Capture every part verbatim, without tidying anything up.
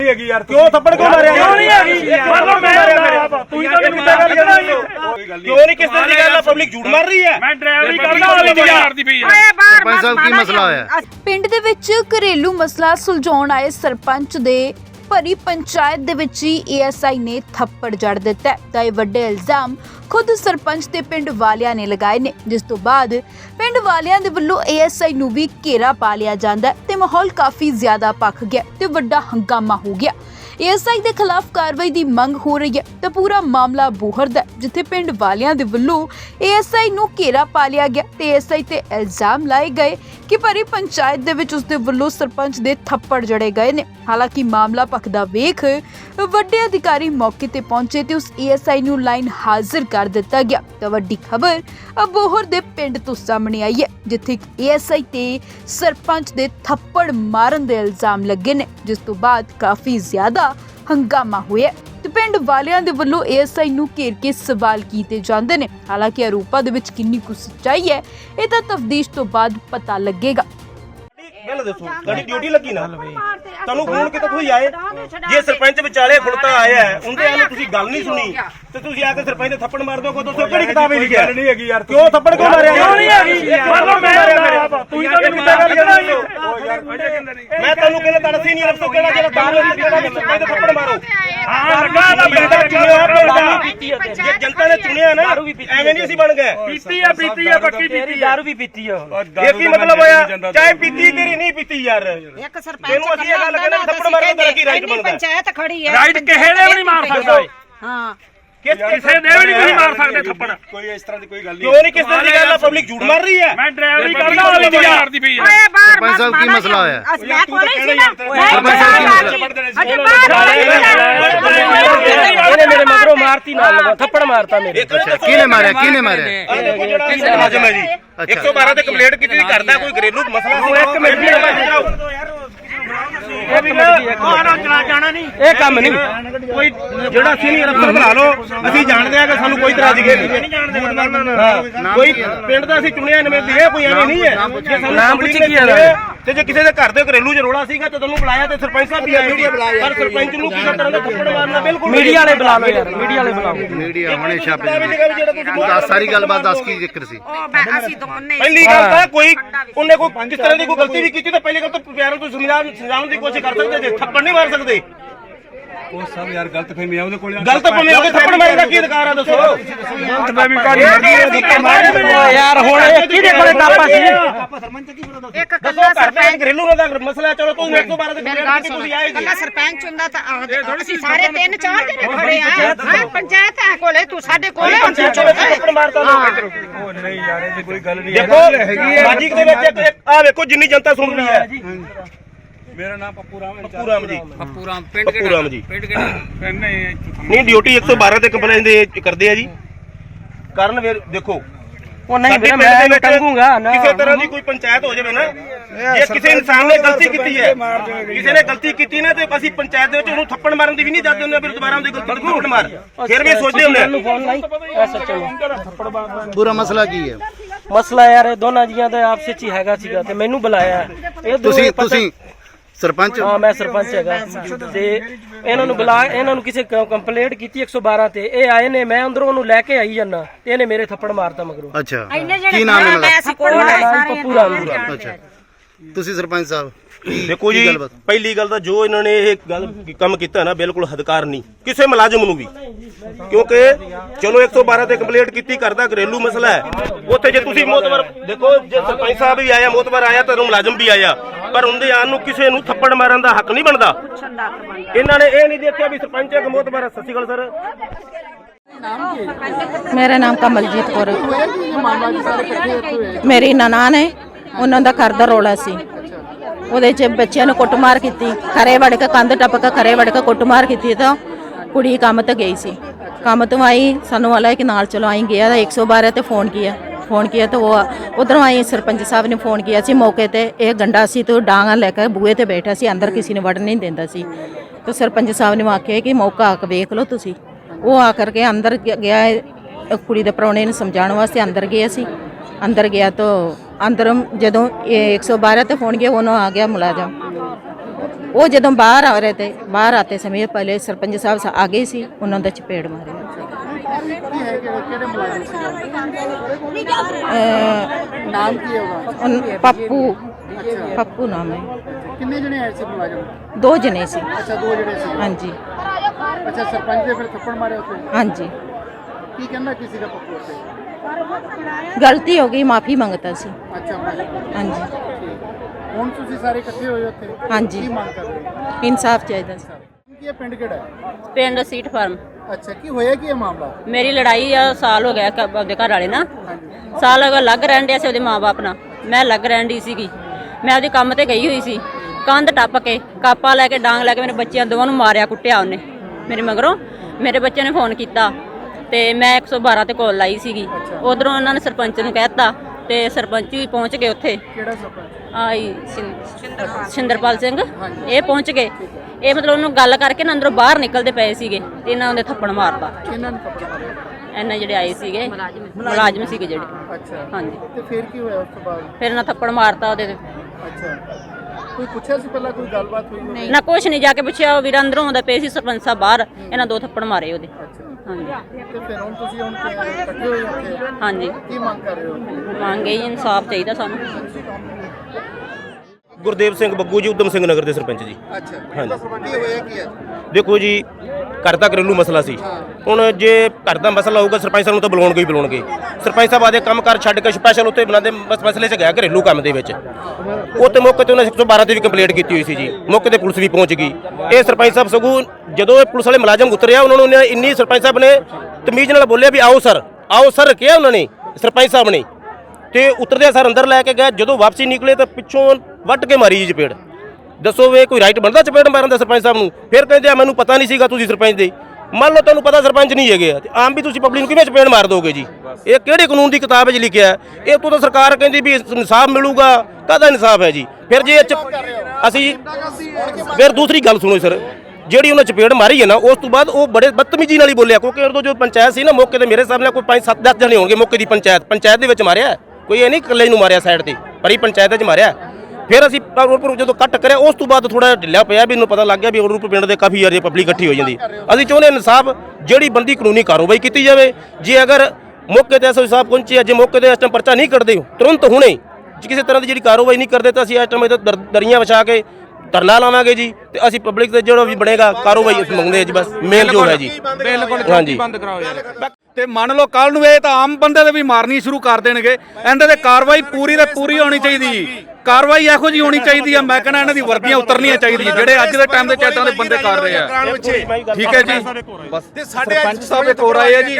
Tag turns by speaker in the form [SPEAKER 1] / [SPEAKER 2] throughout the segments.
[SPEAKER 1] ਹੈਗੀ ਯਾਰ। ਕਿਉਂ ਥੱਪੜ ਕਿਉਂ ਮਾਰਿਆ? ਕਿਉਂ ਨਹੀਂ ਹੈਗੀ? ਮਤਲਬ ਮੈਂ ਤੂੰ ਹੀ ਤਾਂ ਮੈਨੂੰ ਗੱਲ ਕਰਨਾ ਕਿਉਂ ਨਹੀਂ? ਕਿਸ ਤਰ੍ਹਾਂ ਦੀ ਗੱਲ ਆ? ਪਬਲਿਕ ਝੂਠ ਮਾਰ ਰਹੀ ਹੈ। ਮੈਂ ਡਰਾਈਵਰੀ ਕਰਦਾ ਵਾਲੀ ਦੀ ਮਾਰਦੀ ਪਈ ਹੈ।
[SPEAKER 2] ਸਰਪੰਚ ਸਾਹਿਬ ਕੀ ਮਸਲਾ ਹੋਇਆ?
[SPEAKER 3] ਪਿੰਡ ਦੇ ਵਿੱਚ ਘਰੇਲੂ ਮਸਲਾ ਸੁਲਝਾਉਣ ਆਏ ਸਰਪੰਚ ਦੇ ਭਰੀ ਪੰਚਾਇਤ ਦੇ ਵਿੱਚ ਹੀ ਏਐਸਆਈ ਨੇ ਥੱਪੜ ਜੜ ਦਿੱਤਾ ਤਾਂ ਇਹ ਵੱਡੇ ਇਲਜ਼ਾਮ ਖੁਦ ਸਰਪੰਚ ਤੇ ਪਿੰਡ ਵਾਲਿਆਂ ਨੇ ਲਗਾਏ ਨੇ, ਜਿਸ ਤੋਂ ਬਾਅਦ ਪਿੰਡ ਵਾਲਿਆਂ ਦੇ ਵੱਲੋਂ ਏਐਸਆਈ ਨੂੰ ਵੀ ਘੇਰਾ ਪਾ ਲਿਆ ਜਾਂਦਾ ਤੇ ਮਾਹੌਲ ਕਾਫੀ ਜ਼ਿਆਦਾ ਭਖ ਗਿਆ ਤੇ ਵੱਡਾ ਹੰਗਾਮਾ ਹੋ ਗਿਆ। ਏਐਸਆਈ ਦੇ ਖਿਲਾਫ ਕਾਰਵਾਈ ਦੀ ਮੰਗ ਹੋ ਰਹੀ ਹੈ ਤਾਂ ਪੂਰਾ ਮਾਮਲਾ ਬੋਹਰਦਾ, ਜਿੱਥੇ ਪਿੰਡ ਵਾਲਿਆਂ ਦੇ ਵੱਲੋਂ ਏਐਸਆਈ ਨੂੰ ਘੇਰਾ ਪਾ ਲਿਆ ਗਿਆ ਤੇ ਏਐਸਆਈ ਤੇ ਇਲਜ਼ਾਮ ਲਾਏ ਗਏ ਕਿ ਭਰੀ ਪੰਚਾਇਤ ਦੇ ਵਿੱਚ ਉਸਦੇ ਵੱਲੋਂ ਸਰਪੰਚ ਦੇ ਥੱਪੜ ਜੜੇ ਗਏ ਨੇ। ਹਾਲਾਂਕਿ ਮਾਮਲਾ ਭਖਦਾ ਵੇਖ ਵੱਡੇ ਅਧਿਕਾਰੀ ਮੌਕੇ ਤੇ ਪਹੁੰਚੇ ਤੇ ਉਸ ਏਐਸਆਈ ਨੂੰ ਲਾਈਨ ਹਾਜ਼ਰ ਕਰ ਦਿੱਤਾ ਗਿਆ। ਤਾਂ ਵੱਡੀ ਖਬਰ ਅਬੋਹਰ ਦੇ ਪਿੰਡ ਤੋਂ ਸਾਹਮਣੇ ਆਈ ਹੈ, ਜਿੱਥੇ ਏਐਸਆਈ ਤੇ ਸਰਪੰਚ ਦੇ ਥੱਪੜ ਮਾਰਨ ਦੇ ਇਲਜ਼ਾਮ ਲੱਗੇ ਨੇ, ਜਿਸ ਤੋਂ ਬਾਅਦ ਕਾਫੀ ਜ਼ਿਆਦਾ ਹੰਗਾਮਾ ਹੋਇਆ ਤੇ ਪਿੰਡ ਵਾਲਿਆਂ ਦੇ ਵੱਲੋਂ ਏਐਸਆਈ ਨੂੰ ਘੇਰ ਕੇ ਸਵਾਲ ਕੀਤੇ ਜਾਂਦੇ ਨੇ। ਹਾਲਾਂਕਿ ਆਰੋਪਾਂ ਦੇ ਵਿੱਚ ਕਿੰਨੀ ਕੁ ਸੱਚਾਈ ਹੈ ਇਹ ਤਾਂ ਤਫਤੀਸ਼ ਤੋਂ ਬਾਅਦ ਪਤਾ ਲੱਗੇਗਾ।
[SPEAKER 1] ਗੱਲ ਦੱਸੋ, ਤੁਹਾਡੀ ਡਿਊਟੀ ਲੱਗੀ ਨਾ, ਤੁਹਾਨੂੰ ਫੋਨ ਕੀਤਾ ਤੁਸੀਂ ਆਏ। ਜੇ ਸਰਪੰਚ ਵਿਚਾਲੇ ਖੁਲਤਾ ਆਇਆ ਉਹਦੇ ਨਾਲ ਤੁਸੀਂ ਗੱਲ ਨਹੀਂ ਸੁਣੀ ਤੇ ਤੁਸੀਂ ਆ ਕੇ ਸਰਪੰਚ ਦੇ ਥੱਪੜ ਮਾਰ ਦੋਗੇ। ਦੱਸੋ ਕਿਹੜੀ ਕਿਤਾਬ ਵਿੱਚ ਲਿਖਿਆ? ਨਹੀਂ ਹੈਗੀ ਯਾਰ। ਕਿਉਂ ਥੱਪੜ ਕਿਉਂ ਮਾਰਿਆ? ਕਿਉਂ ਨਹੀਂ ਹੈਗੀ? ਮਤਲਬ ਮੈਂ ਤੂੰ ਹੀ ਤਾਂ ਮੈਨੂੰ ਗੱਲ ਕਰਨਾ ਮੈਂ ਤੁਹਾਨੂੰ ਕਹਿੰਦਾ ਤੁਹਾਡਾ ਸੀਨੀਅਰ ਅਫਸਰ ਕਿਹੜਾ ਜਿਹੜਾ ਤਾਂ ਜਿਹੜਾ ਸਰਪੰਚ ਦੇ ਥੱਪੜ ਮਾਰੋ। ਹਾਂ ਲੱਗਾ ਤਾਂ ਬੰਦਾ ਚੁਣਿਆ ਪਿੰਡ ਜੇ ਜਨਤਾ ਨੇ ਚੁਣਿਆ ਨਾ, ਐਵੇਂ ਨਹੀਂ ਅਸੀਂ ਬਣ ਗਏ। ਪੀਤੀ ਆ ਪੀਤੀ ਆ ਪੱਕੀ ਪੀਤੀ, ਦਾਰੂ ਵੀ ਪੀਤੀ ਆ। ਇਹ ਕੀ ਮਤਲਬ ਹੋਇਆ? ਚਾਹੇ ਪੀਤੀ ਤੇਰੀ ਨਹੀਂ ਪੀਤੀ ਯਾਰ।
[SPEAKER 4] ਇੱਕ ਸਰਪੰਚ ਇਹਨੂੰ ਅਸੀਂ ਇਹ ਗੱਲ ਕਹਿੰਦੇ ਥੱਪੜ ਮਾਰਨ ਦਾ ਕੀ ਰਾਈਟ ਬਣਦਾ? ਪੰਚਾਇਤ ਖੜੀ ਹੈ,
[SPEAKER 1] ਰਾਈਟ ਕਿਸੇ ਨੇ ਵੀ ਨਹੀਂ ਮਾਰ ਸਕਦਾ।
[SPEAKER 4] ਹਾਂ
[SPEAKER 1] ਕਿਸੇ ਨੇ ਵੀ ਨਹੀਂ ਮਾਰ ਸਕਦੇ ਥੱਪੜ। ਕੋਈ ਇਸ ਤਰ੍ਹਾਂ ਦੀ ਕੋਈ ਗੱਲ ਨਹੀਂ। ਕਿਉਂ ਨਹੀਂ? ਕਿਸ ਤਰ੍ਹਾਂ ਦੀ ਗੱਲ ਆ? ਪਬਲਿਕ ਝੂਠ ਮਾਰ ਰਹੀ ਹੈ। ਮੈਂ ਡਰਾਈਵਰੀ ਕਰਦਾ ਵਾਲੀ ਦੀ ਮਾਰਦੀ ਪਈ ਹੈ।
[SPEAKER 2] ਸਰਪੰਚ ਸਾਹਿਬ ਕੀ ਮਸਲਾ ਹੋਇਆ?
[SPEAKER 4] ਮੈਂ ਕੋਲੇ ਸੀ ਨਾ,
[SPEAKER 2] ਸਰਪੰਚ ਸਾਹਿਬ
[SPEAKER 4] ਅਜੇ ਬਾਹਰ
[SPEAKER 5] ਇਹਨੇ ਮੇਰੇ ਮਗਰੋਂ ਮਾਰਤੀ ਨਾਲ ਲਗਾ ਥੱਪੜ ਮਾਰਤਾ ਮੇਰੇ।
[SPEAKER 2] ਅੱਛਾ, ਕਿਹਨੇ ਮਾਰਿਆ? ਕਿਹਨੇ ਮਾਰਿਆ?
[SPEAKER 1] ਆ ਦੇਖੋ ਜਿਹੜਾ ਮੁਲਾਜ਼ਮ ਹੈ ਜੀ, ਇੱਕ ਸੌ ਬਾਰਾਂ ਤੇ ਕੰਪਲੇਂਟ ਕੀਤੀ ਸੀ, ਕਰਦਾ ਕੋਈ ਘਰੇਲੂ ਮਸਲਾ ਸੀ। ਇੱਕ ਮਿੰਟ ਇਹ ਵੀ ਚਲਾ ਜਾਣਾ ਨਹੀਂ,
[SPEAKER 5] ਇਹ ਕੰਮ ਨਹੀਂ।
[SPEAKER 1] ਕੋਈ ਜਿਹੜਾ ਸੀਨੀਅਰ ਅਫਸਰ ਬੁਲਾ ਲਓ, ਅਸੀਂ ਜਾਣਦੇ ਆ ਕਿ ਸਾਨੂੰ ਕੋਈ ਤਰ੍ਹਾਂ ਦੀ ਗੱਲ ਨਹੀਂ ਜਾਣਦੇ। ਕੋਈ ਪਿੰਡ ਦਾ ਅਸੀਂ ਚੁਣਿਆ ਨਵੇਂ ਦੀ, ਕੋਈ ਐਵੇਂ ਨਹੀਂ ਹੈ। ਜੇ ਸਾਨੂੰ ਨਾਮ ਪੁੱਛ ਕੀ ਆ ਤੇ ਜੇ ਕਿਸੇ ਦੇ ਘਰ ਦੇ ਘਰੇਲੂ ਚ ਰੋਲਾ ਸੀਗਾ ਤਾਂ ਤੁਹਾਨੂੰ ਬੁਲਾਇਆ ਤੇ ਸਰਪੰਚ ਸਾਹਿਬ ਵੀ ਆਏ। ਪਰ ਸਰਪੰਚ ਨੂੰ ਕਿਸੇ ਤਰ੍ਹਾਂ ਦਾ ਥੱਪੜ ਮਾਰਨਾ ਬਿਲਕੁਲ
[SPEAKER 5] ਮੀਡੀਆ ਵਾਲੇ ਬੁਲਾ ਲਓ ਯਾਰ, ਮੀਡੀਆ ਵਾਲੇ ਬੁਲਾਓ।
[SPEAKER 2] ਮੀਡੀਆ ਹੁਣੇ ਛਾਪੇ ਦੱਸ ਸਾਰੀ ਗੱਲਬਾਤ ਦੱਸ ਕੀ ਜ਼ਿਕਰ ਸੀ?
[SPEAKER 4] ਅਸੀਂ ਦੋਨੇ
[SPEAKER 1] ਪਹਿਲੀ ਗੱਲ ਤਾਂ ਕੋਈ ਉਹਨੇ ਕੋਈ ਕਿਸ ਤਰ੍ਹਾਂ ਦੀ ਕੋਈ ਗਲਤੀ ਵੀ ਕੀਤੀ ਤਾਂ ਪਹਿਲੀ ਗੱਲ ਤਾਂ ਪਿਆਰਾਂ ਤੋਂ ਸਮਝਾਉਣ ਸਮਝਾਉਣ ਦੀ ਕੋਸ਼ਿਸ਼ ਕਰ ਸਕਦੇ ਜੇ, ਥੱਪੜ ਨਹੀਂ ਮਾਰ ਸਕਦੇ।
[SPEAKER 6] ਉਹ ਸਭ ਯਾਰ ਗਲਤ ਫਹਿਮੀ ਆ ਉਹਦੇ ਕੋਲ।
[SPEAKER 1] ਗਲਤ ਫਹਿਮੀ ਆ, ਥੱਪੜ ਮਾਰਨ ਦਾ ਕੀ ਅਧਿਕਾਰ ਆ ਦੱਸੋ?
[SPEAKER 5] ਯਾਰ ਹੁਣ ਇਹ ਕਿਹਦੇ ਕੋਲੇ ਕਾਪਾ ਸੀ?
[SPEAKER 4] ਇੱਕ ਕੱਲਾ ਸਰਪੰਚ
[SPEAKER 1] ਘਰੇਲੂ ਦਾ ਮਸਲਾ। ਚਲੋ ਤੁਸੀਂ ਇੱਕ ਸੌ ਬਾਰਾਂ ਤੇ ਕੰਪਲੇਂਟ ਕੀਤੀ, ਤੁਸੀਂ ਆਏ
[SPEAKER 4] ਕੱਲਾ ਸਰਪੰਚ ਹੁੰਦਾ ਤਾਂ ਅਸੀਂ ਸਾਰੇ ਤਿੰਨ ਚਾਰ ਜਣੇ ਖੜੇ ਆ। ਹਾਂ ਪੰਚਾਇਤ ਹੈ ਕੋਲੇ, ਤੂੰ ਸਾਡੇ ਕੋਲੇ ਹੁਣ ਤੂੰ ਚੁੱਪ
[SPEAKER 1] ਥੱਪੜ ਮਾਰਤਾ
[SPEAKER 6] ਉਹ ਨਹੀਂ ਯਾਰ ਇਹ ਕੋਈ ਗੱਲ ਨਹੀਂ।
[SPEAKER 1] ਦੇਖੋ ਮਾਜਿਕ ਦੇ ਵਿੱਚ ਆ ਵੇਖੋ ਜਿੰਨੀ ਜਨਤਾ ਸੁਣ ਰਹੀ ਹੈ।
[SPEAKER 6] ਮੇਰਾ ਨਾਮ ਪੱਪੂ ਰਾਮ
[SPEAKER 1] ਪੱਪੂ ਰਾਮ ਜੀ।
[SPEAKER 5] ਪੱਪੂ ਰਾਮ ਪਿੰਡ
[SPEAKER 1] ਪੱਪੂ ਰਾਮ ਜੀ
[SPEAKER 5] ਪਿੰਡ ਕਿਹੜਾ?
[SPEAKER 6] ਨਹੀਂ
[SPEAKER 1] ਨਹੀਂ ਡਿਊਟੀ ਇੱਕ ਸੌ ਬਾਰਾਂ ਤੇ ਕੰਪਲੇਂਟ ਦੇ ਕਰਦੇ ਆ ਜੀ। ਕਰਨ ਫਿਰ ਦੇਖੋ
[SPEAKER 5] ਉਹ ਨਹੀਂ
[SPEAKER 1] ਸਾਡੇ
[SPEAKER 5] ਵੀਰੇ
[SPEAKER 1] ਪਿੰਡ ਦੇ
[SPEAKER 5] ਮੈਂ
[SPEAKER 1] ਵਿੱਚ
[SPEAKER 5] ਟੰਗੂਗਾ ਨਾ।
[SPEAKER 1] ਕਿਸੇ ਤਰ੍ਹਾਂ ਦੀ ਕੋਈ ਪੰਚਾਇਤ ਹੋ ਜਾਵੇ ਨਾ, ਜੇ ਕਿਸੇ ਇਨਸਾਨ ਨੇ ਗਲਤੀ ਕੀਤੀ ਹੈ, ਕਿਸੇ ਨੇ ਗਲਤੀ ਕੀਤੀ ਨਾ ਤੇ ਅਸੀਂ ਪੰਚਾਇਤ ਦੇ ਵਿੱਚ ਉਹਨੂੰ ਥੱਪੜ ਮਾਰਨ ਦੀ ਵੀ ਨਹੀਂ ਦੱਸਦੇ ਹੁੰਦੇ, ਫਿਰ ਦੁਬਾਰਾ ਉਹਦੀ ਗਲਤੀ ਨੂੰ ਥੱਪੜ ਮਾਰ ਫਿਰ ਵੀ ਸੋਚਦੇ ਹੁੰਦੇ ਆ।
[SPEAKER 5] ਫੋਨ ਲਾਈ ਥੱਪੜ ਮਾਰਦਾ।
[SPEAKER 2] ਪੂਰਾ ਮਸਲਾ ਕੀ ਹੈ?
[SPEAKER 5] ਮਸਲਾ ਯਾਰ ਇਹ ਦੋਨਾਂ ਜੀਆਂ ਦਾ ਆਪਸ ਵਿੱਚ ਹੀ ਹੈਗਾ ਸੀਗਾ ਤੇ ਮੈਨੂੰ ਬੁਲਾਇਆ ਇਹ
[SPEAKER 2] ਤੁਸੀਂ ਤੁਸੀਂ ਸਰਪੰਚ?
[SPEAKER 5] ਹਾਂ ਮੈਂ ਸਰਪੰਚ ਹੈਗਾ ਤੇ ਇਹਨਾਂ ਨੂੰ ਬੁਲਾ ਇਹਨਾਂ ਨੂੰ ਕਿਸੇ ਕੰਪਲੇਂਟ ਕੀਤੀ ਇੱਕ ਸੌ ਬਾਰਾਂ ਤੇ ਇਹ ਆਏ ਨੇ। ਮੈਂ ਅੰਦਰੋਂ ਉਹਨੂੰ ਲੈ ਕੇ ਆਈ ਜਾਂਦਾ ਤੇ ਇਹਨੇ ਮੇਰੇ ਥੱਪੜ ਮਾਰਤਾ ਮਗਰੋਂ।
[SPEAKER 2] ਅੱਛਾ, ਕੀ ਨਾਮ ਹੈ ਇਹਨਾਂ ਦਾ?
[SPEAKER 5] ਪੱਪੂ ਰਾਮ।
[SPEAKER 2] ਅੱਛਾ, ਤੁਸੀਂ ਸਰਪੰਚ ਸਾਹਿਬ
[SPEAKER 1] ਦੇਖੋ ਜੀ, ਪਹਿਲੀ ਗੱਲ ਤਾਂ ਜੋ ਇਹਨਾਂ ਨੇ ਇਹ ਗੱਲ ਕੰਮ ਕੀਤਾ ਨਾ ਬਿਲਕੁਲ ਹਦਕਾਰ ਨਹੀਂ ਕਿਸੇ ਮੁਲਾਜ਼ਮ ਨੂੰ ਵੀ, ਕਿਉਂਕਿ ਚਲੋ ਇੱਕ ਸੌ ਬਾਰਾਂ ਤੇ ਕੰਪਲੇਂਟ ਕੀਤੀ, ਕਰਦਾ ਘਰੇਲੂ ਮਸਲਾ ਹੈ। ਉੱਥੇ ਜੇ ਤੁਸੀਂ ਮੋਤਬਰ ਦੇਖੋ, ਜੇ ਸਰਪੰਚ ਸਾਹਿਬ ਵੀ ਆਇਆ, ਮੋਤਬਰ ਆਇਆ ਤਾਂ ਮੁਲਾਜ਼ਮ ਵੀ ਆਇਆ, ਪਰ ਉਹਦੇ ਆਉਣ ਨੂੰ ਕਿਸੇ ਨੂੰ ਥੱਪੜ ਮਾਰਨ ਦਾ ਹੱਕ ਨਹੀਂ ਬਣਦਾ। ਇਹਨਾਂ ਨੇ ਇਹ ਨਹੀਂ ਦੇਖਿਆ ਵੀ ਸਰਪੰਚ ਇੱਕ ਮੋਤਬਰ ਹੈ। ਸਤਿ ਸ਼੍ਰੀ ਅਕਾਲ ਸਰ।
[SPEAKER 7] ਮੇਰਾ ਨਾਮ ਕਮਲਜੀਤ ਕੌਰ। ਮੇਰੀ ਨਨਾਣ ਹੈ, ਉਹਨਾਂ ਦਾ ਘਰ ਦਾ ਰੌਲਾ ਸੀ। ਉਹਦੇ 'ਚ ਬੱਚਿਆਂ ਨੂੰ ਕੁੱਟਮਾਰ ਕੀਤੀ, ਖਰੇ ਵੜ ਕੇ ਕੰਧ ਟੱਪ ਕੇ ਖਰੇ ਵੜ ਕੇ ਕੁੱਟਮਾਰ ਕੀਤੀ। ਤਾਂ ਕੁੜੀ ਕੰਮ ਤੇ ਗਈ ਸੀ, ਕੰਮ ਤੋਂ ਆਈ, ਸਾਨੂੰ ਵਾਲਾ ਕਿ ਨਾਲ ਚਲੋ ਆਈ ਗਿਆ। ਇੱਕ ਸੌ ਬਾਰਾਂ ਤੇ ਫੋਨ ਕੀਤਾ ਫੋਨ ਕੀਤਾ ਤਾਂ ਉਹ ਉਧਰੋਂ ਆਈ। ਸਰਪੰਚ ਸਾਹਿਬ ਨੇ ਫੋਨ ਕੀਤਾ ਸੀ ਮੌਕੇ ਤੇ। ਇਹ ਗੰਡਾ ਸੀ ਤੇ ਡਾਂਗਾ ਲੈ ਕੇ ਬੂਹੇ ਤੇ ਬੈਠਾ ਸੀ, ਅੰਦਰ ਕਿਸੇ ਨੇ ਵੜਨ ਨਹੀਂ ਦਿੰਦਾ ਸੀ। ਤਾਂ ਸਰਪੰਚ ਸਾਹਿਬ ਨੇ ਆਖਿਆ ਕਿ ਮੌਕਾ ਆ ਕੇ ਵੇਖ ਲਓ ਤੁਸੀਂ। ਉਹ ਆ ਕਰਕੇ ਅੰਦਰ ਗਿਆ, ਕੁੜੀ ਦੇ ਪ੍ਰਾਹੁਣੇ ਨੂੰ ਸਮਝਾਉਣ ਵਾਸਤੇ ਅੰਦਰ ਗਿਆ ਸੀ। ਅੰਦਰ ਗਿਆ ਤਾਂ ਅੰਦਰ ਜਦੋਂ ਇੱਕ ਸੌ ਬਾਰਾਂ ਤੇ ਫੋਨ ਗਿਆ, ਉਹਨੂੰ ਆ ਗਿਆ ਮੁਲਾਜ਼ਮ। वो जदों बाहर आ रहे थे, बाहर आते समय पहले सरपंच साहब आ गए सी, उन्होंने चपेड़ मारी।
[SPEAKER 8] नाम की होगा?
[SPEAKER 7] उन- पप्पू पप्पू नाम है।
[SPEAKER 8] कितने जने आए थे मुलाजम?
[SPEAKER 7] दो जने सी।
[SPEAKER 8] अच्छा दो जने सी।
[SPEAKER 7] हाँ जी
[SPEAKER 8] अच्छा सरपंच ने फिर थप्पड़ मारे उसे?
[SPEAKER 7] हाँ जी।
[SPEAKER 8] की कहना किसी का पप्पू उसे?
[SPEAKER 7] गलती हो गई, माफी मंगता सी।
[SPEAKER 8] अच्छा मैं
[SPEAKER 7] हाँ जी
[SPEAKER 8] ਹੁਣ ਤੁਸੀਂ ਸਾਰੇ ਇਕੱਠੇ ਹੋਏ ਉੱਥੇ
[SPEAKER 7] हाँ जी,
[SPEAKER 8] ਕੀ ਮੰਗ ਕਰ ਰਹੇ ਹੋ?
[SPEAKER 7] इंसाफ चाहिए सी।
[SPEAKER 8] ਕੀ ਇਹ ਪਿੰਡ ਕਿਹੜਾ ਹੈ?
[SPEAKER 9] ਪਿੰਡ ਸੀਟ ਫਾਰਮ।
[SPEAKER 8] ਅੱਛਾ ਕੀ ਹੋਇਆ ਕੀ ਇਹ ਮਾਮਲਾ?
[SPEAKER 9] ਮੇਰੀ ਲੜਾਈ ਆ ਸਾਲ ਹੋ ਗਿਆ ਕ- ਆਪਦੇ ਘਰ ਵਾਲੇ ਨਾਲ। ਸਾਲ ਹੋ ਗਿਆ ਲੱਗ ਰਹਿਣ ਡਿਆ ਸੀ ਉਹਦੇ ਮਾਂ-ਬਾਪ ਨਾਲ, ਮੈਂ ਲੱਗ ਰਹਿਣ ਦੀ ਸੀਗੀ। ਮੈਂ ਉਹਦੇ ਕੰਮ ਤੇ ਗਈ ਹੋਈ ਸੀ, ਕੰਧ ਟੱਪ ਕੇ ਕਾਪਾ ਲੈ ਕੇ ਡਾਂਗ ਲੈ ਕੇ ਮੇਰੇ ਬੱਚਿਆਂ ਦੋਵਾਂ ਨੂੰ ਮਾਰਿਆ ਕੁੱਟਿਆ ਉਹਨੇ। ਮੇਰੇ ਮਗਰੋਂ ਮੇਰੇ ਬੱਚੇ ਨੇ ਫੋਨ ਕੀਤਾ ਤੇ ਮੈਂ ਇੱਕ ਸੌ ਬਾਰਾਂ ਤੇ ਕਾਲ ਲਾਈ ਸੀਗੀ। ਉਧਰੋਂ ਉਹਨਾਂ ਨੇ ਸਰਪੰਚ ਨੂੰ ਕਹਿਤਾ ਤੇ ਸਰਪੰਚ ਵੀ ਪਹੁੰਚ ਗਏ ਉੱਥੇ।
[SPEAKER 8] ਕਿਹੜਾ ਸਰਪੰਚ?
[SPEAKER 9] ਆਈ ਸਿੰਦਰਪਾਲ ਸਿੰਘ ਇਹ ਪਹੁੰਚ ਗਏ। ਇਹ ਮਤਲਬ ਉਹਨੂੰ ਗੱਲ ਕਰਕੇ ਨਾ ਅੰਦਰੋਂ ਬਾਹਰ ਨਿਕਲਦੇ ਪਏ ਸੀਗੇ ਤੇ ਇਹਨਾਂ ਉਹਦੇ ਥੱਪੜ ਮਾਰਤਾ।
[SPEAKER 8] ਇਹਨਾਂ ਨੂੰ ਥੱਪੜ ਮਾਰਿਆ?
[SPEAKER 9] ਇਹਨਾਂ ਜਿਹੜੇ ਆਏ ਸੀਗੇ ਮੁਲਾਜ਼ਮ ਸੀਗੇ ਜਿਹੜੇ।
[SPEAKER 8] ਅੱਛਾ
[SPEAKER 9] ਹਾਂਜੀ
[SPEAKER 8] ਤੇ ਫਿਰ ਕੀ ਹੋਇਆ ਉਸ ਤੋਂ ਬਾਅਦ?
[SPEAKER 9] ਫਿਰ ਇਹਨਾਂ ਥੱਪੜ ਮਾਰਤਾ ਉਹਦੇ ਤੇ।
[SPEAKER 8] ਅੱਛਾ ਕੋਈ ਪੁੱਛਿਆ ਸੀ ਪਹਿਲਾਂ, ਕੋਈ ਗੱਲਬਾਤ ਹੋਈ ਹੋਵੇ?
[SPEAKER 9] ਨਾ ਕੁਛ ਨਹੀਂ, ਜਾ ਕੇ ਪੁੱਛਿਆ ਉਹ ਵੀਰ ਅੰਦਰੋਂ ਆਉਂਦਾ ਪਏ ਸੀ ਸਰਪੰਚ ਸਾਹਿਬ ਬਾਹਰ, ਇਹਨਾਂ ਦੋ ਥੱਪੜ ਮਾਰੇ ਉਹਦੇ।
[SPEAKER 8] ਅੱਛਾ
[SPEAKER 9] ਹਾਂਜੀ
[SPEAKER 8] ਤੇ ਫਿਰ ਹੁਣ ਤੁਸੀਂ ਹੁਣ ਕਿ- ਇਕੱਠੇ ਹੋਏ ਉੱਥੇ
[SPEAKER 9] ਹਾਂਜੀ
[SPEAKER 8] ਕੀ ਮੰਗ ਕਰ ਰਹੇ ਹੋ?
[SPEAKER 9] ਮੰਗੇ ਇਨਸਾਫ ਚਾਹੀਦਾ ਸਾਨੂੰ।
[SPEAKER 1] ਗੁਰਦੇਵ ਸਿੰਘ ਬੱਗੂ ਜੀ, ਉਦਮ ਸਿੰਘ ਨਗਰ ਦੇ ਸਰਪੰਚ ਜੀ।
[SPEAKER 8] ਅੱਛਾ
[SPEAKER 1] ਹਾਂਜੀ
[SPEAKER 8] ਕੀ ਹੋਇਆ ਕੀ ਹੈ?
[SPEAKER 1] ਦੇਖੋ ਜੀ, ਘਰ ਦਾ ਘਰੇਲੂ ਮਸਲਾ ਸੀ। ਹੁਣ ਜੇ ਘਰ ਦਾ ਮਸਲਾ ਹੋਊਗਾ ਸਰਪੰਚ ਸਾਹਿਬ ਨੂੰ ਤਾਂ ਬੁਲਾਉਣਗੇ ਹੀ ਬੁਲਾਉਣਗੇ। ਸਰਪੰਚ ਸਾਹਿਬ ਆਦੇ ਕੰਮ ਕਾਰ ਛੱਡ ਕੇ ਸਪੈਸ਼ਲ ਉੱਤੇ ਬਣਾਦੇ ਮਸਲੇ 'ਚ ਗਿਆ ਘਰੇਲੂ ਕੰਮ ਦੇ ਵਿੱਚ। ਉੱਤੇ ਮੌਕੇ ਤੇ ਉਹਨੇ ਇੱਕ ਸੌ ਬਾਰਾਂ ਤੇ ਵੀ ਕੰਪਲੇਂਟ ਕੀਤੀ ਹੋਈ ਸੀ ਜੀ। ਮੌਕੇ ਤੇ ਪੁਲਿਸ ਵੀ ਪਹੁੰਚ ਗਈ। ਇਹ ਸਰਪੰਚ ਸਾਹਿਬ ਸਗੋਂ ਜਦੋਂ ਇਹ ਪੁਲਿਸ ਵਾਲੇ ਮੁਲਾਜ਼ਮ ਉਤਰਿਆ, ਉਹਨਾਂ ਨੂੰ ਇੰਨੀ ਸਰਪੰਚ ਸਾਹਿਬ ਨੇ ਤਮੀਜ਼ ਨਾਲ ਬੋਲਿਆ ਵੀ ਆਓ ਸਰ, ਆਓ ਸਰ ਕਿਹਾ ਉਹਨਾਂ ਨੇ ਸਰਪੰਚ ਸਾਹਿਬ ਨੇ। ਤੇ ਉਤਰਦੇ ਸਰ ਅੰਦਰ ਲੈ ਕੇ ਗਏ। ਜਦੋਂ ਵਾਪਸੀ ਨਿਕਲੇ ਤਾਂ ਪਿੱਛੋਂ ਵੱਟ ਕੇ ਮਾਰੀ ਜੀ ਚਪੇੜ। ਦੱਸੋ ਵੇ ਕੋਈ ਰਾਈਟ ਬਣਦਾ ਚਪੇੜ ਮਾਰਨ ਦਾ ਸਰਪੰਚ ਸਾਹਿਬ ਨੂੰ? ਫਿਰ ਕਹਿੰਦੇ ਆ ਮੈਨੂੰ ਪਤਾ ਨਹੀਂ ਸੀਗਾ ਤੁਸੀਂ ਸਰਪੰਚ ਦੇ। ਮੰਨ ਲਓ ਤੁਹਾਨੂੰ ਪਤਾ ਸਰਪੰਚ ਨਹੀਂ ਹੈਗੇ ਆ ਤੇ ਆਮ ਵੀ ਤੁਸੀਂ ਪਬਲਿਕ ਨੂੰ ਕਿਵੇਂ ਚਪੇੜ ਮਾਰ ਦੋਗੇ ਜੀ? ਇਹ ਕਿਹੜੇ ਕਾਨੂੰਨ ਦੀ ਕਿਤਾਬ 'ਚ ਲਿਖਿਆ? ਇਹ ਤੋਂ ਤਾਂ ਸਰਕਾਰ ਕਹਿੰਦੀ ਵੀ ਇਨਸਾਫ ਮਿਲੂਗਾ। ਕਾਹਦਾ ਇਨਸਾਫ ਹੈ ਜੀ? ਫਿਰ ਜੇ ਇਹ 'ਚ ਅਸੀਂ ਫਿਰ ਦੂਸਰੀ ਗੱਲ ਸੁਣੋ ਸਰ, ਜਿਹੜੀ ਉਹਨਾਂ ਚਪੇੜ ਮਾਰੀ ਹੈ ਨਾ, ਉਸ ਤੋਂ ਬਾਅਦ ਉਹ ਬੜੇ ਬਦਤਮੀਜੀ ਨਾਲ ਹੀ ਬੋਲਿਆ। ਕਿਉਂਕਿ ਉਦੋਂ ਜੋ ਪੰਚਾਇਤ ਸੀ ਨਾ ਮੌਕੇ ਤੇ, ਮੇਰੇ ਹਿਸਾਬ ਨਾਲ ਕੋਈ ਪੰਜ ਸੱਤ ਦਸ ਜਣੇ ਹੋਣਗੇ ਮੌਕੇ ਦੀ ਪੰਚਾਇਤ ਪੰਚਾਇਤ ਦੇ ਵਿੱਚ ਮਾਰਿਆ। ਕੋਈ ਇਹ ਨਹੀਂ ਇਕੱਲੇ ਨੂੰ ਮਾਰਿਆ ਸਾਈਡ ਤੇ, ਪਰ ਹੀ ਪੰਚਾਇਤ 'ਚ ਮਾਰਿਆ। ਫਿਰ ਅਸੀਂ ਰੋਡਪੁਰ ਜਦੋਂ ਕੱਟ ਕਰਿਆ ਉਸ ਤੋਂ ਬਾਅਦ ਥੋੜਾ ਢਿੱਲਾ ਪਿਆ ਵੀ ਇਹਨੂੰ ਪਤਾ ਲੱਗ ਗਿਆ ਵੀ ਰੋਡਪੁਰ ਪਿੰਡ ਦੇ ਕਾਫੀ ਯਾਰ ਪਬਲਿਕ ਇਕੱਠੀ ਹੋ ਜਾਂਦੀ। ਅਸੀਂ ਚਾਹੁੰਦੇ ਇਨਸਾਫ, ਜਿਹੜੀ ਬੰਦੀ ਕਾਨੂੰਨੀ ਕਾਰਵਾਈ ਕੀਤੀ ਜਾਵੇ। ਜੇ ਅਗਰ ਮੌਕੇ ਤੇ ਐਸਓ ਸਾਹਿਬ ਪਹੁੰਚੇ, ਜੇ ਮੌਕੇ ਤੇ ਇਸ ਟਾਈਮ ਪਰਚਾ ਨਹੀਂ ਕੱਢਦੇ ਤੁਰੰਤ ਹੁਣੇ, ਜੇ ਕਿਸੇ ਤਰ੍ਹਾਂ ਦੀ ਜਿਹੜੀ ਕਾਰਵਾਈ ਨਹੀਂ ਕਰਦੇ ਤਾਂ ਅਸੀਂ ਇਸ ਟਾਈਮ ਇੱਥੇ ਦਰੀਆਂ ਵਿਛਾ ਕੇ ਧਰਨਾ ਲਾਵਾਂਗੇ ਜੀ। ਤੇ ਅਸੀਂ ਪਬਲਿਕ ਤੇ ਜਿਹੜਾ ਵੀ ਬਣੇਗਾ ਕਾਰਵਾਈ ਮੰਗਦੇ ਜੀ। ਬਸ ਮੇਨ ਜੋ ਹੈ ਜੀ ਹਾਂਜੀ
[SPEAKER 6] ਬੰਦ ਕਰਾਓ ਯਾਰ। ਤੇ ਮੰਨ ਲਓ ਕੱਲ ਨੂੰ ਇਹ ਤਾਂ ਆਮ ਬੰਦੇ ਦੇ ਵੀ ਮਾਰਨੀ ਸ਼ੁਰੂ ਕਰ ਦੇਣਗੇ। ਇਹਦੇ ਤੇ ਕਾਰਵਾਈ ਪੂਰੀ ਤੇ ਪੂਰੀ ਹੋਣੀ ਚਾਹੀਦੀ ਜੀ। ਕਾਰਵਾਈ ਇਹੋ ਜੀ ਹੋਣੀ ਚਾਹੀਦੀ ਆ। ਮੈਂ ਕਹਿੰਦਾ ਇਹਨਾਂ ਦੀ ਵਰਦੀਆਂ ਉਤਰਨੀਆਂ ਚਾਹੀਦੀਆਂ ਜਿਹੜੇ ਅੱਜ ਦੇ ਟਾਈਮ ਦੇ ਚੈਟਾਂ ਦੇ ਬੰਦੇ ਕਰ ਰਹੇ ਆ। ਠੀਕ ਹੈ ਜੀ, ਬਸ ਸਰਪੰਚ ਸਾਹਿਬ ਇੱਕ ਹੋਰ ਆਏ ਆ ਜੀ।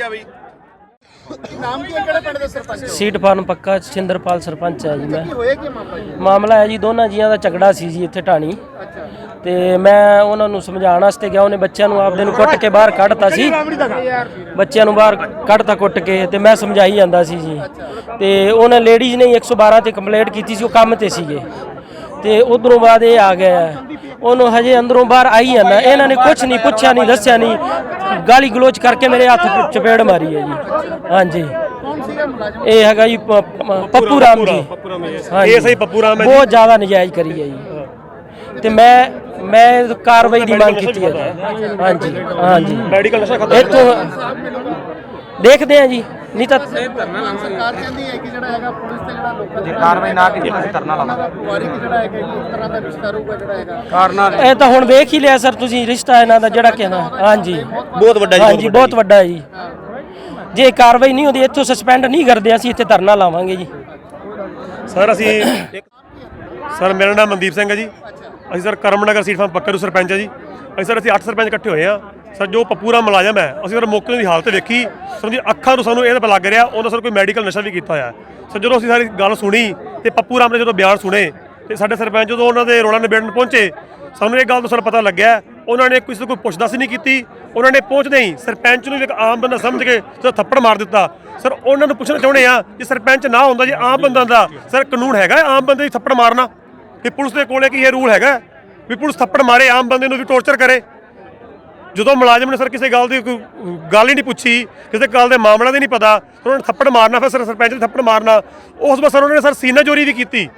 [SPEAKER 8] ਨਾਮ ਕੀ ਹੈ? ਕਿਹੜੇ ਪਿੰਡ ਦੇ ਸਰਪੰਚ?
[SPEAKER 5] ਸੀਟ ਫਾਰਮ ਪੱਕਾ ਸਿੰਦਰਪਾਲ ਸਰਪੰਚ ਹੈ ਜੀ ਮੈਂ।
[SPEAKER 8] ਕੀ ਹੋਇਆ ਕੀ ਮਾਮਲਾ ਜੀ?
[SPEAKER 5] ਮਾਮਲਾ ਹੈ ਜੀ ਦੋਨਾਂ ਜੀਆਂ ਦਾ ਝਗੜਾ ਸੀ ਜੀ ਇੱਥੇ ਢਾਣੀ।
[SPEAKER 8] ਅੱਛਾ
[SPEAKER 5] ਤੇ ਮੈਂ ਉਹਨਾਂ ਨੂੰ ਸਮਝਾਉਣ ਵਾਸਤੇ ਗਿਆ। ਉਹਨੇ ਬੱਚਿਆਂ ਨੂੰ ਆਪਦੇ ਨੂੰ ਕੁੱਟ ਕੇ ਬਾਹਰ ਕੱਢਤਾ ਸੀ। ਬੱਚਿਆਂ ਨੂੰ ਬਾਹਰ ਕੱਢਤਾ ਕੁੱਟ ਕੇ, ਤੇ ਮੈਂ ਸਮਝਾਈ ਜਾਂਦਾ ਸੀ ਜੀ। ਤੇ ਉਹਨੇ ਲੇਡੀਜ਼ ਨੇ ਇੱਕ ਸੌ ਬਾਰਾਂ ਤੇ ਕੰਪਲੇਂਟ ਕੀਤੀ ਸੀ, ਉਹ ਕੰਮ ਤੇ ਸੀਗੇ। ਤੇ ਉਧਰੋਂ ਬਾਅਦ ਇਹ ਆ ਗਿਆ, ਉਹਨੂੰ ਹਜੇ ਅੰਦਰੋਂ ਬਾਹਰ ਆਈ ਜਾਂਦਾ। ਇਹਨਾਂ ਨੇ ਕੁਝ ਨਹੀਂ ਪੁੱਛਿਆ, ਨਹੀਂ ਦੱਸਿਆ, ਨਹੀਂ ਗਾਲੀ ਗਲੋਚ ਕਰਕੇ ਮੇਰੇ ਹੱਥ ਚਪੇੜ ਮਾਰੀ ਹੈ ਜੀ। ਹਾਂਜੀ
[SPEAKER 8] ਕੌਣ ਸੀਗਾ ਮੁਲਾਜ਼ਮ?
[SPEAKER 5] ਇਹ ਹੈਗਾ ਜੀ ਪ- ਪ- ਪੱਪੂ ਰਾਮ ਜੀ। ਇਹ ਸਹੀ ਪੱਪੂ ਰਾਮ ਹੈ। ਬਹੁਤ ਜ਼ਿਆਦਾ ਨਜਾਇਜ਼ ਕਰੀ ਹੈ ਜੀ। ਤੇ ਮੈਂ ਮੈਂ ਕਾਰਵਾਈ ਦੀ ਮੰਗ ਕੀਤੀ ਹੈ ਜੀ। ਹਾਂਜੀ ਹਾਂਜੀ ਮੈਡੀਕਲ ਨਸ਼ਾ ਖਤਮ ਇੱਥੋਂ ਦੇਖਦੇ ਆ ਜੀ। ਨਹੀਂ ਤਾਂ
[SPEAKER 8] ਸਰਕਾਰ ਕਹਿੰਦੀ ਹੈ ਕਿ ਜਿਹੜਾ ਹੈਗਾ ਪੁਲਿਸ ਤੇ ਜਿਹੜਾ ਲੋਕਾਂ ਦੀ ਕਾਰਵਾਈ ਨਾ ਕੀਤੀ ਅਸੀਂ ਧਰਨਾ ਲਾਵਾਂਗੇ। ਵਾਰੀ ਜਿਹੜਾ ਹੈਗਾ ਕਿ ਇਸ ਤਰ੍ਹਾਂ ਦਾ ਰਿਸ਼ਤਾ ਰਹੂਗਾ ਜਿਹੜਾ ਹੈਗਾ
[SPEAKER 6] ਕਾਰਨਾਂ
[SPEAKER 5] ਇਹ ਤਾਂ ਹੁਣ ਵੇਖ ਹੀ ਲਿਆ ਸਰ ਤੁਸੀਂ, ਰਿਸ਼ਤਾ ਇਹਨਾਂ ਦਾ ਜਿਹੜਾ ਕਹਿੰਦਾ। ਹਾਂਜੀ
[SPEAKER 1] ਬਹੁਤ ਵੱਡਾ ਜੀ,
[SPEAKER 5] ਹਾਂਜੀ ਬਹੁਤ ਵੱਡਾ ਹੈ ਜੀ। ਜੇ ਕਾਰਵਾਈ ਨਹੀਂ ਹੁੰਦੀ, ਇੱਥੋਂ ਸਸਪੈਂਡ ਨਹੀਂ ਕਰਦੇ, ਅਸੀਂ ਇੱਥੇ ਧਰਨਾ ਲਾਵਾਂਗੇ ਜੀ।
[SPEAKER 10] ਸਰ ਅਸੀਂ ਸਰ ਮੇਰਾ ਨਾਮ ਮਨਦੀਪ ਸਿੰਘ ਹੈ ਜੀ। ਅਸੀਂ ਸਰ ਕਰਮਨਗਰ ਸੀਟ ਫਾਰਮ ਪੱਕੇ ਨੂੰ ਸਰਪੰਚ ਹੈ ਜੀ। ਅਸੀਂ ਸਰ ਅਸੀਂ ਅੱਠ ਸਰਪੰਚ ਇਕੱਠੇ ਹੋਏ ਆ। ਸਰ ਜੋ ਪੱਪੂ ਰਾਮ ਮੁਲਾਜ਼ਮ ਹੈ, ਅਸੀਂ ਸਰ ਮੌਕੇ ਦੀ ਹਾਲਤ ਵੇਖੀ। ਸਰ ਜੀ ਅੱਖਾਂ ਨੂੰ ਸਾਨੂੰ ਇਹ ਤਾਂ ਲੱਗ ਰਿਹਾ ਉਹਨਾਂ ਸਰ ਕੋਈ ਮੈਡੀਕਲ ਨਸ਼ਾ ਵੀ ਕੀਤਾ ਹੋਇਆ। ਸਰ ਜਦੋਂ ਅਸੀਂ ਸਾਰੀ ਗੱਲ ਸੁਣੀ ਤੇ ਪੱਪੂ ਰਾਮ ਨੇ ਜਦੋਂ ਬਿਆਨ ਸੁਣੇ ਤੇ ਸਾਡੇ ਸਰਪੰਚ ਜਦੋਂ ਉਹਨਾਂ ਦੇ ਰੋਲਾ ਨਿਬੇੜਨ ਪਹੁੰਚੇ, ਸਾਨੂੰ ਇਹ ਗੱਲ ਤੋਂ ਸਾਨੂੰ ਪਤਾ ਲੱਗਿਆ ਉਹਨਾਂ ਨੇ ਕਿਸੇ ਕੋਈ ਪੁੱਛਦਾਸ ਨਹੀਂ ਕੀਤੀ। ਉਹਨਾਂ ਨੇ ਪਹੁੰਚਦੇ ਹੀ ਸਰਪੰਚ ਨੂੰ ਵੀ ਇੱਕ ਆਮ ਬੰਦਾ ਸਮਝ ਕੇ ਸਰ ਥੱਪੜ ਮਾਰ ਦਿੱਤਾ। ਸਰ ਉਹਨਾਂ ਨੂੰ ਪੁੱਛਣਾ ਚਾਹੁੰਦੇ ਆ ਜੇ ਸਰਪੰਚ ਨਾ ਹੁੰਦਾ, ਜੇ ਆਮ ਬੰਦਾ ਦਾ ਸਰ ਕਾਨੂੰਨ ਹੈਗਾ ਆਮ ਬੰਦੇ ਦੀ ਥੱਪੜ ਮਾਰਨਾ? ਕਿ ਪੁਲਿਸ ਦੇ ਕੋਲੇ ਕੀ ਇਹ ਰੂਲ ਹੈਗਾ ਵੀ ਪੁਲਿਸ ਥੱਪੜ ਮਾਰੇ ਆਮ ਬੰਦੇ ਨੂੰ ਵੀ ਟੌਰਚਰ ਕਰੇ? ਜਦੋਂ ਮੁਲਾਜ਼ਮ ਨੇ ਸਰ ਕਿਸੇ ਗੱਲ ਦੀ ਕੋਈ ਗੱਲ ਹੀ ਨਹੀਂ ਪੁੱਛੀ, ਕਿਸੇ ਗੱਲ ਦੇ ਮਾਮਲਾ ਦੇ ਨਹੀਂ ਪਤਾ, ਉਹਨਾਂ ਨੇ ਥੱਪੜ ਮਾਰਨਾ। ਫਿਰ ਸਰ ਸਰਪੰਚ ਨੇ ਥੱਪੜ ਮਾਰਨਾ। ਉਸ ਤੋਂ ਬਾਅਦ ਸਰ ਉਹਨਾਂ ਨੇ ਸਰ ਸੀਨਾ ਚੋਰੀ ਵੀ ਕੀਤੀ।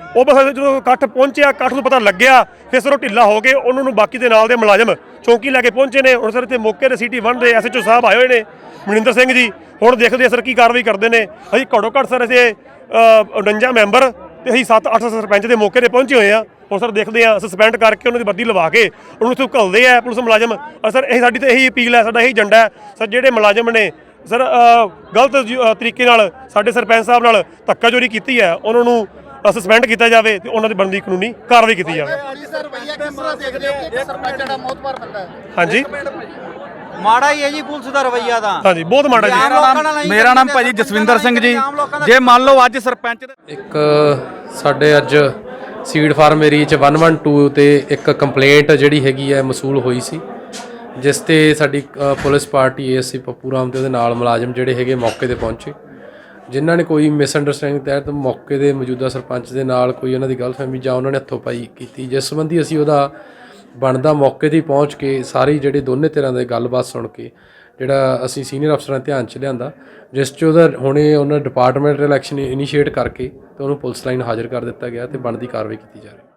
[SPEAKER 10] ਉਹ ਬਸ ਜਦੋਂ ਇਕੱਠ ਪਹੁੰਚਿਆ, ਇਕੱਠ ਨੂੰ ਪਤਾ ਲੱਗਿਆ, ਫਿਰ ਸਰ ਉਹ ਢਿੱਲਾ ਹੋ ਕੇ ਉਹਨਾਂ ਨੂੰ ਬਾਕੀ ਦੇ ਨਾਲ ਦੇ ਮੁਲਾਜ਼ਮ ਚੌਂਕੀ ਲੈ ਕੇ ਪਹੁੰਚੇ ਨੇ। ਹੁਣ ਸਰ ਇੱਥੇ ਮੌਕੇ 'ਤੇ ਸਿਟੀ ਵਨ ਦੇ ਐਸ ਐਚ ਓ ਸਾਹਿਬ ਆਏ ਹੋਏ ਨੇ, ਮਨਿੰਦਰ ਸਿੰਘ ਜੀ। ਹੁਣ ਦੇਖਦੇ ਆ ਸਰ ਕੀ ਕਾਰਵਾਈ ਕਰਦੇ ਨੇ। ਅਸੀਂ ਘੱਟੋ ਘੱਟ ਸਰ ਅਸੀਂ ਉਣੰਜਾ ਮੈਂਬਰ ਤੇ ਅਸੀਂ ਸੱਤ ਅੱਠ ਸਰਪੰਚ ਦੇ ਮੌਕੇ 'ਤੇ ਪਹੁੰਚੇ ਹੋਏ ਆ। ਹੁਣ ਸਰ ਦੇਖਦੇ ਆ ਸਸਪੈਂਡ ਕਰਕੇ ਉਹਨਾਂ ਦੀ ਵਰਦੀ ਲਵਾ ਕੇ ਉਹਨੂੰ ਇੱਥੋਂ ਘੱਲਦੇ ਆ ਪੁਲਿਸ ਮੁਲਾਜ਼ਮ। ਔਰ ਸਰ ਇਹ ਸਾਡੀ ਤਾਂ ਇਹੀ ਅਪੀਲ ਹੈ, ਸਾਡਾ ਇਹੀ ਏਜੰਡਾ ਹੈ ਸਰ, ਜਿਹੜੇ ਮੁਲਾਜ਼ਮ ਨੇ ਸਰ ਗਲਤ ਤਰੀਕੇ ਨਾਲ ਸਾਡੇ ਸਰਪੰਚ ਸਾਹਿਬ ਨਾਲ ਧੱਕਾਚੋਰੀ ਕੀਤੀ ਹੈ ਉਹਨਾਂ ਨੂੰ ਸਸਪੈਂਡ ਕੀਤਾ ਜਾਵੇ ਤੇ ਉਹਨਾਂ ਦੀ ਬਣਦੀ ਕਾਨੂੰਨੀ ਕਾਰਵਾਈ ਕੀਤੀ ਜਾਵੇ। ਹਾਂਜੀ
[SPEAKER 2] ਮਾੜਾ ਹੀ ਹੈ ਜੀ ਪੁਲਿਸ ਦਾ ਰਵੱਈਆ ਦਾ।
[SPEAKER 10] ਹਾਂਜੀ ਬਹੁਤ ਮਾੜਾ ਜੀ।
[SPEAKER 6] ਮੇਰਾ ਨਾਮ ਭਾਜੀ ਜਸਵਿੰਦਰ ਸਿੰਘ ਜੀ। ਜੇ ਮੰਨ ਲਓ ਅੱਜ ਸਰਪੰਚ
[SPEAKER 11] ਇੱਕ ਸਾਡੇ ਅੱਜ ਸੀਡ ਫਾਰਮ ਏਰੀਆ 'ਚ ਇੱਕ ਸੌ ਬਾਰ੍ਹਾਂ ਤੇ ਇੱਕ ਕੰਪਲੇਂਟ ਜਿਹੜੀ ਹੈਗੀ ਹੈ ਮਸੂਲ ਹੋਈ ਸੀ, ਜਿਸ ਤੇ ਸਾਡੀ police party A S I Pappu Ram ਤੇ ਉਹਦੇ ਨਾਲ ਮੁਲਾਜ਼ਮ ਜਿਹੜੇ ਹੈਗੇ ਮੌਕੇ ਤੇ ਪਹੁੰਚੇ, ਜਿਨ੍ਹਾਂ ਨੇ ਕੋਈ ਮਿਸਅੰਡਰਸਟੈਂਡਿੰਗ ਤਹਿਤ ਮੌਕੇ ਦੇ ਮੌਜੂਦਾ ਸਰਪੰਚ ਦੇ ਨਾਲ ਕੋਈ ਉਹਨਾਂ ਦੀ ਗਲਤਫਹਿਮੀ ਜਾਂ ਉਹਨਾਂ ਨੇ ਹੱਥੋਂ ਪਾਈ ਕੀਤੀ, ਜਿਸ ਸੰਬੰਧੀ ਅਸੀਂ ਉਹਦਾ ਬਣਦਾ ਮੌਕੇ 'ਤੇ ਪਹੁੰਚ ਕੇ ਸਾਰੀ ਜਿਹੜੇ ਦੋਨੇ ਧਿਰਾਂ ਦੇ ਗੱਲਬਾਤ ਸੁਣ ਕੇ ਜਿਹੜਾ ਅਸੀਂ ਸੀਨੀਅਰ ਅਫਸਰਾਂ ਦੇ ਧਿਆਨ 'ਚ ਲਿਆਂਦਾ, ਜਿਸ 'ਚ ਉਹਦਾ ਹੁਣੇ ਉਹਨਾਂ ਡਿਪਾਰਟਮੈਂਟ ਇਲੈਕਸ਼ਨ ਇਨੀਸ਼ੀਏਟ ਕਰਕੇ ਤੇ ਉਹਨੂੰ ਪੁਲਿਸ ਲਾਈਨ ਹਾਜ਼ਰ ਕਰ ਦਿੱਤਾ ਗਿਆ ਤੇ ਬਣਦੀ ਕਾਰਵਾਈ ਕੀਤੀ ਜਾ ਰਹੀ ਹੈ।